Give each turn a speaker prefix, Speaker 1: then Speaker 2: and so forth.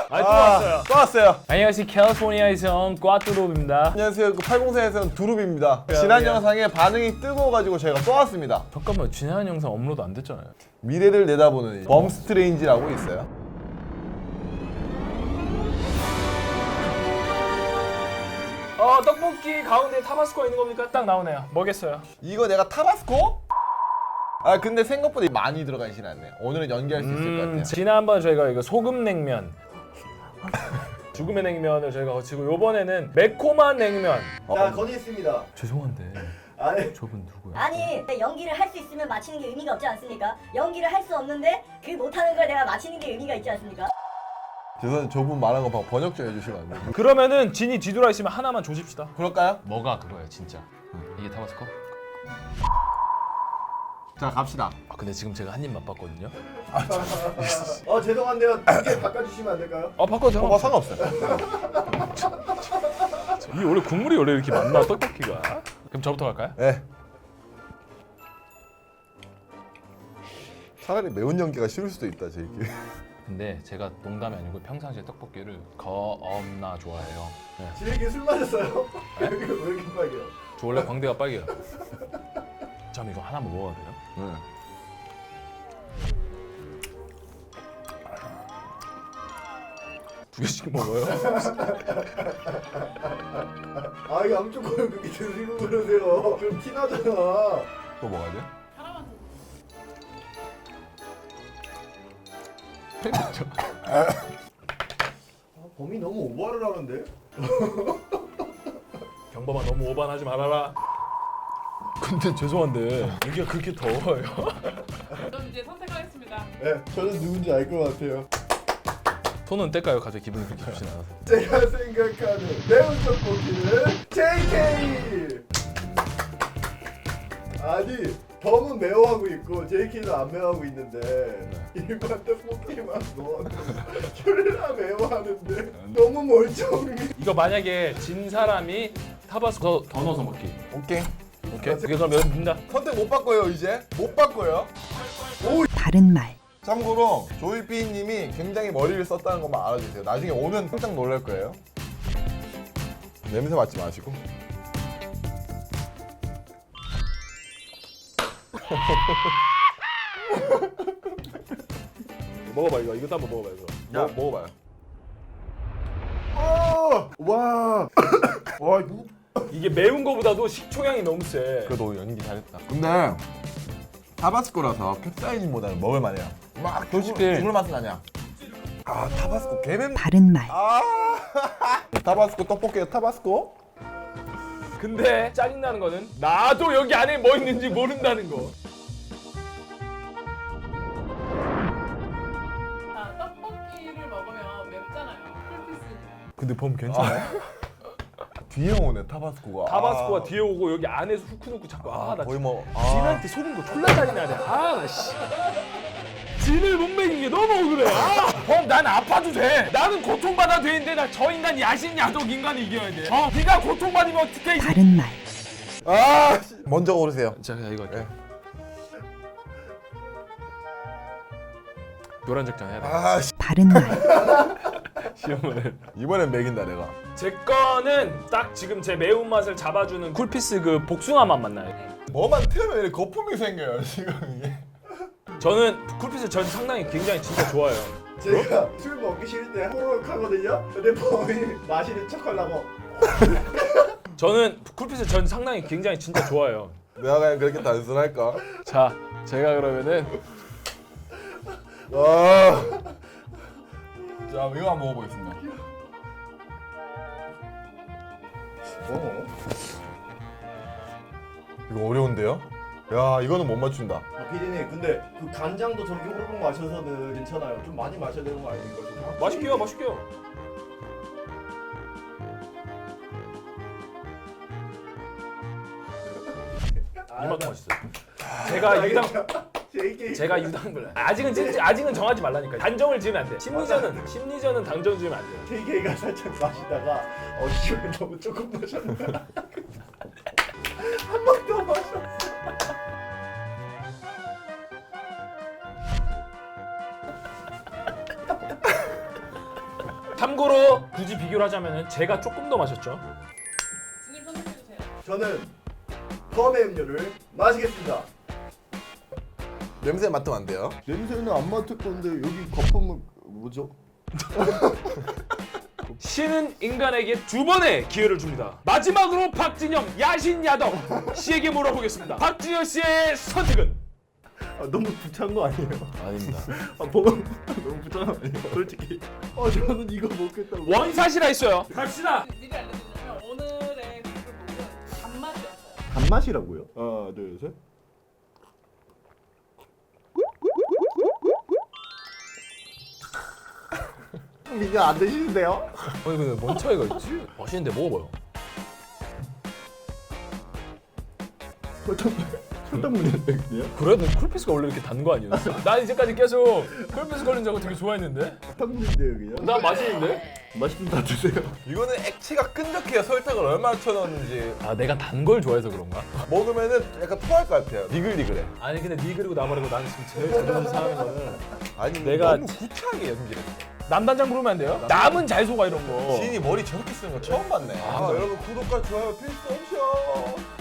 Speaker 1: 또 왔어요.
Speaker 2: 또 왔어요.
Speaker 1: 안녕하세요. 캘리포니아에서 온 꽈뚜로입니다.
Speaker 2: 안녕하세요. 80세에서는 두릅입니다. 지난 영상에 반응이 뜨거워가지고 저희가 또 왔습니다.
Speaker 1: 잠깐만, 지난 영상 업로드 안 됐잖아요.
Speaker 2: 미래를 내다보는 범스트레인지라고 있어요.
Speaker 1: 떡볶이 가운데 타바스코가 있는 겁니까? 딱 나오네요. 뭐겠어요?
Speaker 2: 이거 내가 타바스코? 아 근데 생각보다 많이 들어가진 않네요. 오늘은 연기할 수 있을 것 같아요.
Speaker 1: 지난번 저희가 이거 소금 냉면 죽음의 냉면을 저희가 거치고 요번에는 매콤한 냉면.
Speaker 3: 자, 건의했습니다.
Speaker 1: 죄송한데
Speaker 3: 아니,
Speaker 1: 저분 누구야?
Speaker 4: 아니 연기를 할 수 있으면 마치는 게 의미가 없지 않습니까? 연기를 할 수 없는데 그 못하는 걸 내가 마치는 게 의미가 있지 않습니까?
Speaker 2: 죄송한데 저분 말한 거 번역 좀 해주시면 안 돼요?
Speaker 1: 그러면은 진이 뒤돌아 있으면 하나만 조십시다.
Speaker 2: 그럴까요?
Speaker 1: 뭐가 그거야 진짜? 이게 타바스코?
Speaker 2: 자 갑시다.
Speaker 1: 아 근데 지금 제가 한 입 맛봤거든요.
Speaker 3: 죄송한데요. 두 개 바꿔주시면 안 될까요?
Speaker 1: 바꿔도
Speaker 2: 뭐 상관없어요.
Speaker 1: 이 원래 국물이 원래 이렇게 많나 떡볶이가? 그럼 저부터 갈까요?
Speaker 2: 네. 차라리 매운 연기가 싫을 수도 있다 제 얘기.
Speaker 1: 근데 제가 농담이 아니고 평상시에 떡볶이를 겁나 좋아해요. 네.
Speaker 3: 지금 술 마셨어요? 여기 왜 이렇게 빨개요?
Speaker 1: 저 원래 광대가 빨개요. 참 이거 하나만 먹어도 돼요?
Speaker 2: 네.
Speaker 1: 두 개씩 먹어요?
Speaker 3: 아, 이거 암쪽 거를 그렇게 드시고 그러세요. 좀 티나잖아.
Speaker 2: 또 먹어야 돼?
Speaker 3: 범이 너무 오버를 하는데?
Speaker 1: 경범아 너무 오반하지 말아라. 근데 죄송한데 여기가 그렇게 더워요?
Speaker 5: 저는 이제 선택하겠습니다.
Speaker 3: 네, 저는 누군지 알 것 같아요.
Speaker 1: 손은 뗄까요? 갑자기 기분이 그렇게 좋진 않아서.
Speaker 3: 제가 생각하는 매운 떡볶이는 JK! 아니, 범은 매워하고 있고 JK는 안 매워하고 있는데 일반 떡볶이만 넣어도 졸라 매워하는데 너무 멀쩡해.
Speaker 1: 이거 만약에 진 사람이 타바스코 더 넣어서 먹기.
Speaker 2: 오케이.
Speaker 1: 오케이? 그게 그럼 여기 빈다.
Speaker 2: 선택 못 바꿔요 이제. 못 바꿔요.
Speaker 6: 바른 말.
Speaker 2: 참고로 조이삐님이 굉장히 머리를 썼다는 것만 알아주세요. 나중에 오면 깜짝 놀랄 거예요. 냄새 맡지 마시고.
Speaker 1: 먹어봐 이거. 이것도 한번 먹어봐 이거.
Speaker 2: 먹어봐요.
Speaker 3: 와, 와 이거
Speaker 1: 이게 매운 거보다도 식초향이 너무 세.
Speaker 2: 그래도 연기 잘했다. 근데 타바스코라서 캡사이신보다는 먹을만해요. 막
Speaker 1: 솔직히-
Speaker 2: 죽을 맛은 아니야. 아 타바스코 개맵.
Speaker 6: 바른 말.
Speaker 2: 아 타바스코 떡볶이에 타바스코?
Speaker 1: 근데 짜증나는 거는 나도 여기 안에 뭐 있는지 모른다는 거.
Speaker 5: 자, 떡볶이를 먹으면 맵잖아요. 풀피스.
Speaker 1: 근데 범 괜찮아요?
Speaker 2: 뒤에 오네 타바스코가.
Speaker 1: 타바스코가 뒤에 오고 여기 안에서 후크 놓고 자꾸 나
Speaker 2: 거의 뭐.
Speaker 1: 진한테 속은 거 졸라 짜증나네. 나 씨. 진을 못 먹인 게 너무 억울해. 범, 난 아파도 돼. 나는 고통받아도 되는데 나 저 인간 야신 야독 인간이 이겨야 돼. 네가 고통받으면 어떡해.
Speaker 6: 바른 말.
Speaker 2: 먼저 고르세요.
Speaker 1: 자, 이거 할게.
Speaker 2: 네.
Speaker 1: 노란 적장 해야 돼.
Speaker 6: 바른 말.
Speaker 1: 시험을.
Speaker 2: 이번엔 매긴다 내가.
Speaker 1: 제 거는 딱 지금 제 매운맛을 잡아주는 쿨피스 그 복숭아 맛 맞나요?
Speaker 2: 뭐만 틀면 이렇게 거품이 생겨요 지금 이게.
Speaker 1: 저는 쿨피스 전 상당히 굉장히 진짜 좋아해요.
Speaker 3: 제가 술 먹기 싫을 때 호로록 하거든요. 근데 범이 마시는 척 하려고.
Speaker 1: 저는 쿨피스 전 상당히 굉장히 진짜 좋아해요.
Speaker 2: 내가 그냥 그렇게 단순할까?
Speaker 1: 자, 제가 그러면은
Speaker 2: 자 이거 한번 먹어보겠습니다. 이거 어려운데요? 야 이거는 못 맞춘다.
Speaker 3: 피디님, 근데 그 간장도 저렇게 호로록 마셔서는 괜찮아요. 좀 많이 마셔야 되는 거 아닙니까?
Speaker 1: 맛있게요, 맛있게요. 이만큼 맛있어요.
Speaker 3: JK.
Speaker 1: 제가 유당불. 아직은 정하지 말라니까. 단정을 지으면 안 돼. 심리전은 단정 지으면 안 돼요.
Speaker 3: JK가 살짝 마시다가 이거 너무 조금 마셨나? 한 번 더 마셨어.
Speaker 1: 참고로 굳이 비교를 하자면 제가 조금 더 마셨죠.
Speaker 5: 진입 선택해주세요.
Speaker 3: 저는 펌의 음료를 마시겠습니다.
Speaker 2: 냄새 맡으면 안 돼요.
Speaker 3: 냄새는 안 맡을 건데 여기 거품은 뭐죠?
Speaker 1: 신은 인간에게 두 번의 기회를 줍니다. 마지막으로 박진영 야신야덕 씨에게 물어보겠습니다. 박진영 씨의 선택은?
Speaker 3: 아, 너무 부찬 거 아니에요?
Speaker 2: 아닙니다.
Speaker 3: 아 보고 너무 부찬 거 아니에요? 솔직히. 저는 이거 먹겠다고.
Speaker 1: 원샷이라 했어요. 갑시다.
Speaker 5: 미리 알려드리자면 오늘의 국물은 단맛이었어요.
Speaker 3: 단맛이라고요? 하나 둘 셋. 이게 안 드시는데요?
Speaker 1: 아니 근데 뭔 차이가 있지? 맛있는데 먹어봐요.
Speaker 3: 설탕물인데 그냥?
Speaker 1: 그래도 쿨피스가 원래 이렇게 단 거 아니었어? 난 이제까지 계속 쿨피스 걸린 줄 알고 되게 좋아했는데?
Speaker 3: 설탕물인데요 그냥?
Speaker 1: 나 맛있는데?
Speaker 3: 맛있으면 다 드세요.
Speaker 2: 이거는 액체가 끈적해요. 설탕을 얼마나 쳐넣었는지.
Speaker 1: 아 내가 단 걸 좋아해서 그런가?
Speaker 2: 먹으면은 약간 토할 것 같아요. 니글니글해.
Speaker 1: 아니 근데 니 그리고 나 말고 나는 지금 제일 자존심 상하는 거는
Speaker 2: 아니
Speaker 1: 내가
Speaker 2: 너무 구차하게 연기를.
Speaker 1: 남단장 부르면 안 돼요? 남은 잘 속아 이런 거.
Speaker 2: 지인이 머리 저렇게 쓰는 거 처음 봤네. 여러분 구독과 좋아요 필수 옵션.